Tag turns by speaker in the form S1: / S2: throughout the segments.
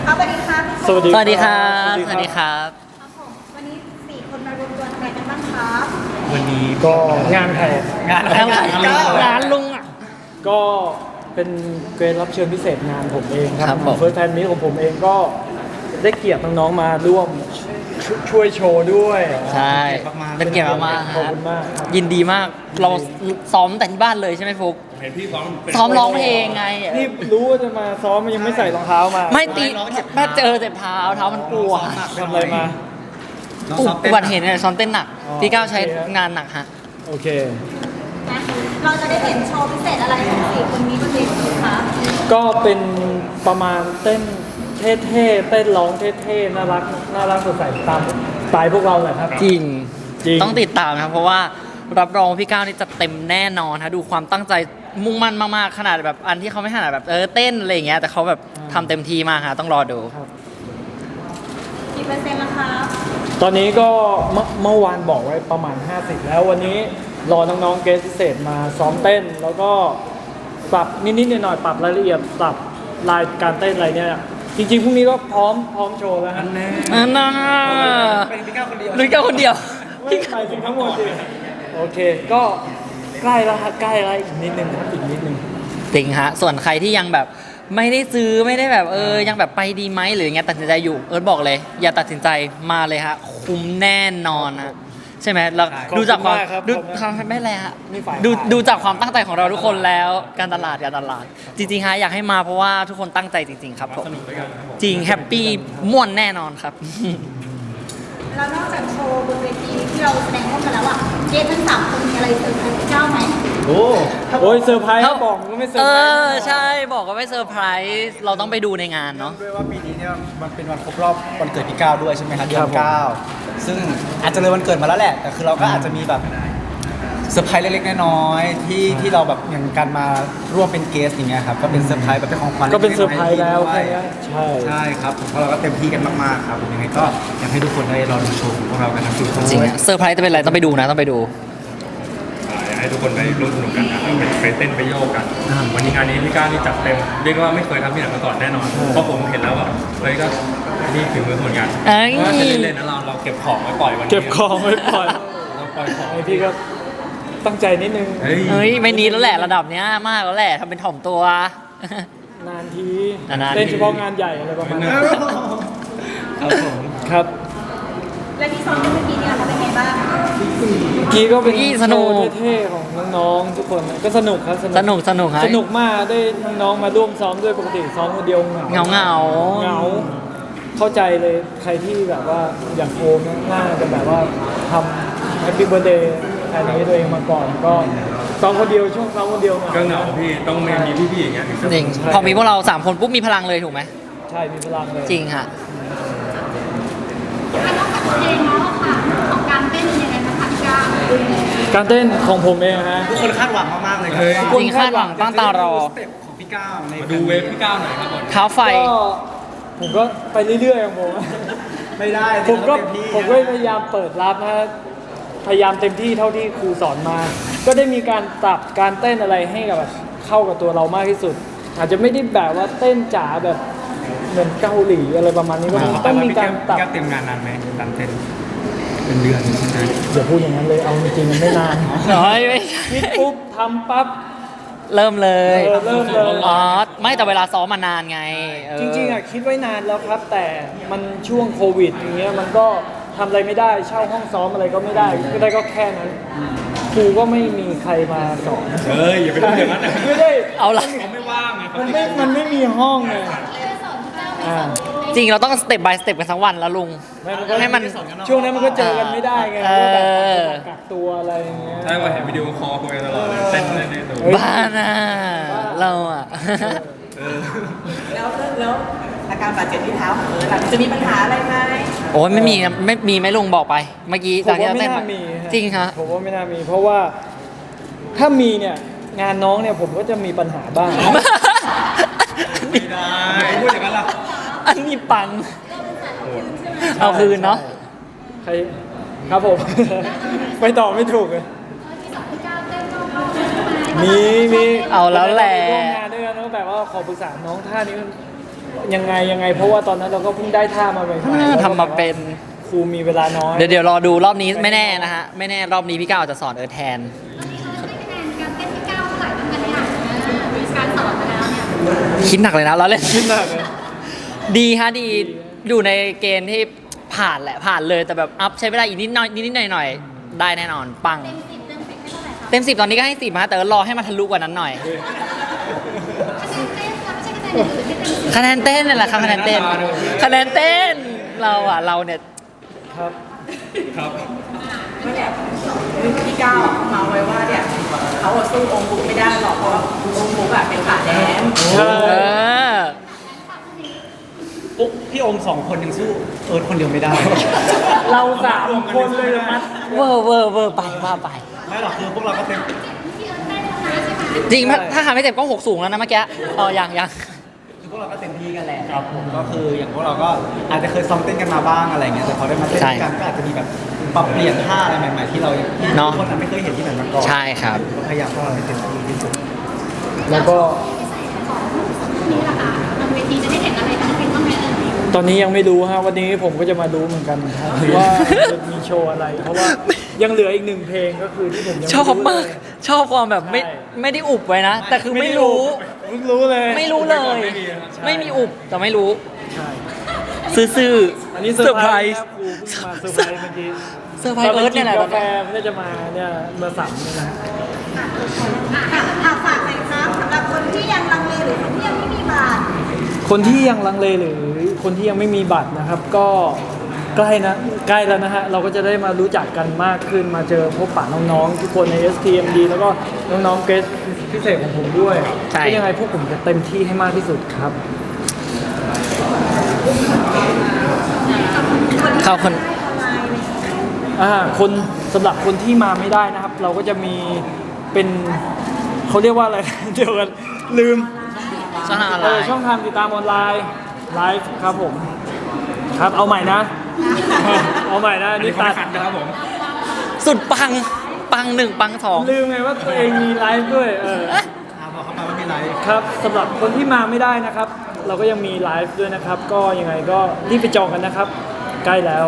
S1: ครับสวัสดีครับ
S2: สวัสดี
S3: สวัสดีครับ
S2: สวัสดีครับ
S1: ครับผมวันนี้4คนมารวมตัวทำอะไรกันบ้างครับ
S2: วันนี้ก็งานใคร
S3: งานงานลุงอ่ะ
S2: ก็เป็นเกรดรับเชิญพิเศษงานผมเองค
S3: ครั
S2: รับบ
S3: ผม
S2: เฟิร์สแฟนมิตของผมเองก็ได้เกียรติน้องๆมาร่วมช่วยโชว์ด้วย
S3: ใช่เป็นเกียรติมากๆ
S2: ขอบ
S3: ฮะ
S2: คุณมากครับ
S3: ยินดีมากเราซ้อมแต่ที่บ้านเลยใช่ไหมฟุก
S4: เห็นพี่ซ้อมเป็น
S3: ซ้อมร้องเพลงไง
S2: นี่รู้ว่าจะมาซ้อมมันยังไม่ใส่รองเท้ามา
S3: ไม่ตีแม่เจอเจ็บเท้ามันปวด
S2: ทำอะไรมา
S3: อุบัติเหตุเนี่ยซ้อมเต้นหนัก
S2: อ๋อ
S3: พี่ก้าวใช้
S2: โอเคครับ
S3: งานหนักฮะ
S2: โอเค
S1: นะเราจะได้เห็นโชว์พิเศษอะไรของ4คนนี้บนเวทีครับ
S2: ก็เป็นประมาณเต้นเท่ๆเต้นร้องเท่ๆน่ารักสดใสตามสไตล์พวกเราแหละครับ
S3: จริง
S2: จริง
S3: ต้องติดตามนะครับเพราะว่ารับรองพี่ก้าวนี่จะเต็มแน่นอนฮะดูความตั้งใจมุ่งมั่นมากๆขนาดแบบอันที่เขาไม่ขนาดแบบเต้นอะไรอย่างเงี้ยแต่เขาแบบทำเต็มที่มากฮะต้องรอดู
S1: กี่เปอร์เซ็นต์แล้วครับ
S2: ตอนนี้ก็เมื่อวานบอกไว้ประมาณ 50 แล้ววันนี้รอน้องๆเกสพิเศษมาซ้อมเต้น แล้วก็ปรับนิดๆหน่อยๆปรับรายละเอียดปรับลายการเต้นอะไรเนี่ยจริงๆพรุ่งนี้ก็พร้อมโชว์แล้วฮะ
S3: อันน่า
S4: เป็นพี่ก้าวคนเดียว
S3: ลุยก้าวคนเดียว
S2: ไม่หมายถึงทั้งหมดสิโอเค ก็ใกล้แล้วครับใกล้แล้วอีกนิดนึงครับอีกนิดนึง
S3: จริงฮะ ส่วนใครที่ยังแบบไม่ได้ซื้อไม่ได้แบบยังแบบไปดีไหมหรืออย่างเงี้ยตัดสินใจอยู่บอกเลย อย่าตัดสินใจมาเลยฮะคุ้มแน่นอนฮะใช่ไหมเรา
S2: ขอบคุณ
S3: ดูจากความ
S2: มากครับ
S3: ดู
S2: ขอบคุณ
S3: ความไม่เลยฮะ
S2: นี่ฝ่าย
S3: ดู
S2: ขาย
S3: ดูจากความตั้งใจของเราทุกคนแล้วการตลาดจริงๆฮะอยากให้มาเพราะว่าทุกคนตั้งใจจริง ๆ ครับผม
S4: สนุกด้วยกันครับผม
S3: จริงแฮปปี้ม่วนแน่นอนครับ
S1: แล้วนอกจากโชว์บนเวทีที่เราแสดงร่วมกันแล้วอ่ะเกสทั้ง3คนมีอะไรเซอร์ไพรส์พี่เจ้าไหม
S4: โอ้
S2: โอ้ยเซอร์ไพรส์ครับบอกก็ไม่เซอร์ไพรส์
S3: ใช่บอกว่าไม่เซอร์ไพรส์เราต้องไปดูในงานเนาะ
S5: ด้วยว่าปีนี้เนี่ยมันเป็นวันครบรอบวันเกิดพี่ก้าวด้วยใช่ไหมครับเดือน9ซึ่งอาจจะเลยวันเกิดมาแล้วแหละ แต่คือเราก็อาจจะมีแบบเซอร์ไพรส์เล็กๆน้อยๆที่เราแบบอย่างการมาร่วมเป็นเกสอย่างเงี้ยครับก็เป็นเซอร์ไพรส์แบบเป็นของขวัญ
S2: ก็เป็นเซอร์ไพรส์แล้ว
S5: ใช่
S2: แค่นี้ใช่
S5: ใช่ครับเพราะเราก็เต็มที่กันมากๆครับยังไงก็อยากให้ทุกคนได้รอดูโชว์ของพวกเรากันทั้ง4คน
S3: จริงอะเซอร์ไพรส์จะเป็นอะไรต้องไปดูนะต้องไปดู
S4: อยากให้ทุกคนได้ร่วมสนุกกันนะครับไปเต้นไปโยกกัน วันนี้งานนี้พี่ก้าวนี่จัดเต็มเรียกว่าไม่เคยทำที่ไหนมาก่อนแน่นอนเพราะผมเห็นแล้วแบบเฮ้ยก็นี่คือมือเหมือนกัน
S3: เอ้ย
S4: ว่าจะเล่นๆนะเราเก็บของไว้ปล่อยวันนี้
S2: เก็บของไว้ปล่อย
S4: เราปล่อยของ
S2: ไอพี่ก็ตั้งใจนิดนึง
S4: เฮ้ย
S3: เฮ้ยไม่นี้แล้วแหละระดับเนี้ยมากแล้วแหละทำเป็นถ่อมตัว
S2: นานที
S3: นานๆที
S2: เต้นเฉพาะงานใหญ่อะไรประมาณนั้น
S5: ครับผม
S2: ครับ
S1: และที่ซ้อมกันเมื่อกี้เนี่ยเขาเป็นไงบ้าง
S2: เมื่อกี้ก็เป็น
S3: เมื่อกี้สนุก
S2: โชว์เท่ๆของน้องๆทุกคนก็สนุกครับ
S3: สนุกฮะ
S2: สนุกมากได้น้องๆมาร่วมซ้อมด้วยปกติซ้อมคนเดียวเหงา
S3: เหงา
S2: เหงาเข้าใจเลยใครที่แบบว่าอย่างโอมน่าจะแบบว่าทำแฮปปี้เบ t ร์ a เดย์อันนี้ตัวเองมาก่อนก็ซ้อมคนเดียวช่วงซ้อมคนเดียว
S4: ก็เหงาพี่ต้องมีพี่ๆอย่างเงี้ยถึงจะ
S3: จริงพอมีพวกเรา3คนปุ๊บมีพลังเลยถูกไหม
S2: ใช่มีพลังเลย
S3: จริงฮะ
S1: นอกจากเพลงแล้วอะค่ะของการเต้นเป็นยังไงบ้างคะพี่ก้าว
S2: การเต้นของผมเองฮะ
S5: ทุกคนคาดหวังมากๆเลยครั
S3: จริงคาดหวังตั้งตารอ
S5: สเต็ปของพี่ก้าวใน
S4: มาดูเวฟพี่ก้าวหน่อยครับผม
S3: เท้าไฟ
S2: ก็ผมก็ไปเรื่อยๆของผม
S5: ไม่ได้
S2: ผมก็
S5: เต็ที่
S2: ผมก็พยายามเปิดรับนะพยายามเต็มที่เท่าที่ครูสอนมา ก็ได้มีการปรับการเต้นอะไรให้กับแบบเข้ากับตัวเรามากที่สุด อาจจะไม่ได้แบบว่าเต้นจ๋าแบบเหมือนเกาหลีอะไรประมาณนี้ก็ต้องมีการปรับ
S5: พี่ก้าวเตรียมงานนานไหมการเต้นเป็นเดือนใช่ไหม
S2: อย่าพูดอย่างนั้นเลยเอาจริงๆมันไม่นาน
S3: น้อยไม่ใช่
S2: คิดปุ๊บทำปั๊บ
S3: เริ่มเลย
S2: เริ่มเลย
S3: อ๋อไม่แต่เวลาซ้อมมานานไง
S2: จริงๆอ่ะคิดไว้นานแล้วครับ แต่มันช่วงโควิดอย่างเงี้ยมันก็ทำอะไรไม่ได้เช่าห้องซ้อมอะไรก็ไม่ได้ก็ได้ก็แค่นั้นครูก็ไม่มีใครมาสอน
S4: เฮ้ยอย่าไปพูดอย่างนั้นนะ
S2: ไม่ได้
S3: เอาละ
S4: เขาไม่ว่างไง
S2: มันไม่มีห้องไงอ่า
S3: จริงเราต้องสเต็ปบายสเต็ปกันทั้งวันแล้วลุง ให้มัน
S2: ช่วงนั้นมันก็เจอกันไม่ได้ไง
S3: เออ
S2: ก็แบบกักตัวอะไรอย่างเงี้ย
S4: ใช่ว่าเห็นวิดีโอคอลคุยกันตลอดเลยเต้นในตัว
S2: เฮ้ย
S3: บ้าน่ะเราอ่ะ
S6: แล้วอาการบาดเจ็บที่เท้าของเอิร์ธล่ะจะมีปัญหาอะไรไหม
S3: โอ้ยไม่มีนะไม่มีไหม่ลุงบอกไป เมื่อกี้
S2: ผม
S3: จากที่
S2: ว่า
S3: เรา
S2: ไม่
S3: เต้น
S2: น่ามีฮะ
S3: จริงฮะ
S2: ผมว่าไม่น่ามี เพราะว่าถ้ามีเนี่ยงานน้องเนี่ยผมก็จะมีปัญหาบ้าง
S4: ไม่ได้พูดอย่างนั้นล่ะ
S3: อันนี้ปัง เอาคืนเนาะ
S2: ใครครับผม ไม่ตอบไม่ถูกเลยมี
S3: เอาแล้วแหละ
S2: ร่วมงานด้วยกันแล้วแบบว่าขอปรึกษาน้องท่านี้มันยังไงเพราะว่าตอนนั้นเราก็เพิ่งได้ท่ามาใหม่ๆ
S3: ทำมาเป็น
S2: ครูมีเวลาน้อย
S3: เดี๋ยวรอดูรอบนี้ไม่แน่นะฮะ ไม่แน่รอบนี้พี่ก้าวอาจจะสอนแทน คิดหนักเลยนะเราเล่น
S2: คิดหนักเลย
S3: ดีฮะดีอยู่ในเกณฑ์ที่ผ่านแหละผ่านเลยแต่แบบอัพใช้เวลาอีกนิดหน่อยได้แน่นอนปัง เต็ม 10ตอนนี้ก็ให้ 10ฮะแต่ก็รอให้มันทะลุกว่านั้นหน่อย คะแนนเต้นนี่แหละครับคะแนนเต้นเราเนี่ย
S2: ครับ
S4: ครับ
S6: เมื่อเนี่ยพี่ก้าวอะเขาเมาไว้ว่าเนี่ยเขาอะสู้องค์บุ๊กไม่ได้หรอกเพราะว่าองค์บุ๊กอะเป็นขาแดน
S2: ใช่
S3: เออ
S5: ปุ๊บพี่องค์2 คนยังสู้เอิร์ธคนเดียวไม่ได้
S2: เรา3 คนเลยนะ
S3: เวอร์ไปว่าไป
S5: ไม่หรอกคือพวกเราก็เป็น
S3: จริงถ้าหาไม่เจ็บก็6สูงแล้วนะเมื่อกี้อ๋อยัง
S5: คือพวกเราก็เต็มที่กันแหละครับผมก็คืออย่างพวกเราก็อาจจะเคยซ้อมเต้นกันมาบ้างอะไรเงี้ยแต่พอได้มาเต้นกันก็อาจจะมีแบบปรับเปลี่ยนท่าอะไรใหม่ๆที่เราทุกคนไม่เคยเห็นที่ไหนมาก่อน
S3: ใช่ครับ
S5: ก็พยายามพวกเราให้เต็มที่ที่สุด
S2: แล้วก็ตอนนี้ยังไม่รู้ฮะวันนี้ผมก็จะมารู้เหมือนกันครับว่าจะมีโชว์อะไร เพราะว่ายังเหลืออีก1 เพลงก็คือที่ผมยัง
S3: ชอบมากชอบความแบบไม่ได้อุบไว้นะ แต่คือไม่รู้
S2: เพิ่งรู้เลย
S3: ไม่รู้เลย ไม่มีอุบแต่ไม่รู้
S2: ใช่
S3: ซื่อ
S2: อันนี้
S3: เซอร์ไพร
S2: ค
S3: ส์
S2: บครูเพิ่งมาเซอร์ไพรส์เมื่อกี้
S3: เซอร์ไพรส์เอิร์ธเนี่ยแหละ
S2: กาแฟมันก็จะมาเนี่ยเมื่อ3เนี่ยนะ
S1: ฝากหน่อยครับสำหรับคนที่ยังลังเลหรือคนที่ยังไม่มีบัตร
S2: คนที่ยังลังเลหรือคนที่ยังไม่มีบัตรนะครับ ก็ใกล้แล้วนะฮะเราก็จะได้มารู้จักกันมากขึ้นมาเจอพบปะน้องๆทุกคนใน STMD แล้วก็น้องๆเกสพิเศษของผมด้วย
S3: ใช่
S2: ก็ยังไงพวกผมจะเต็มที่ให้มากที่สุดครับ
S3: เขาคน
S2: คนสำหรับคนที่มาไม่ได้นะครับ เราก็จะมีเป็นเขาเรียกว่าอะไร เดี๋ยวกันลืม
S3: ช่องทางออนไลน์
S2: ช่องทางติดตามออนไลน์ไลฟ์ครับผมครับเอาใหม่นะ เอาใหม่นะ
S4: อันนี้
S2: นี่
S4: เขา
S2: ตั
S4: ไม่
S2: ด
S4: คัดนะครับผม
S3: สุดปัง1ปัง2
S2: ลืมไงว่าตัวเองมีไลฟ์ด้วย
S5: บอกเขาไปว่ามีไลฟ์
S2: ครับสำหรับคนที่มาไม่ได้นะครับ เราก็ยังมีไลฟ์ด้วยนะครับ ก็ยังไงก็รีบไปจองกันนะครับ ใกล้แล้ว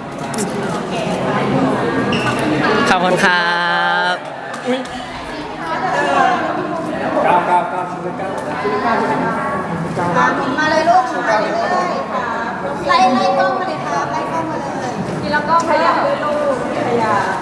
S3: ขอบคุณครับ
S1: มาเลยลูกมาเลยครับไล่กล้องมาเลยครับไล่กล้องมาเลย
S6: แล้วก็ขยับด้วยลูกขยับ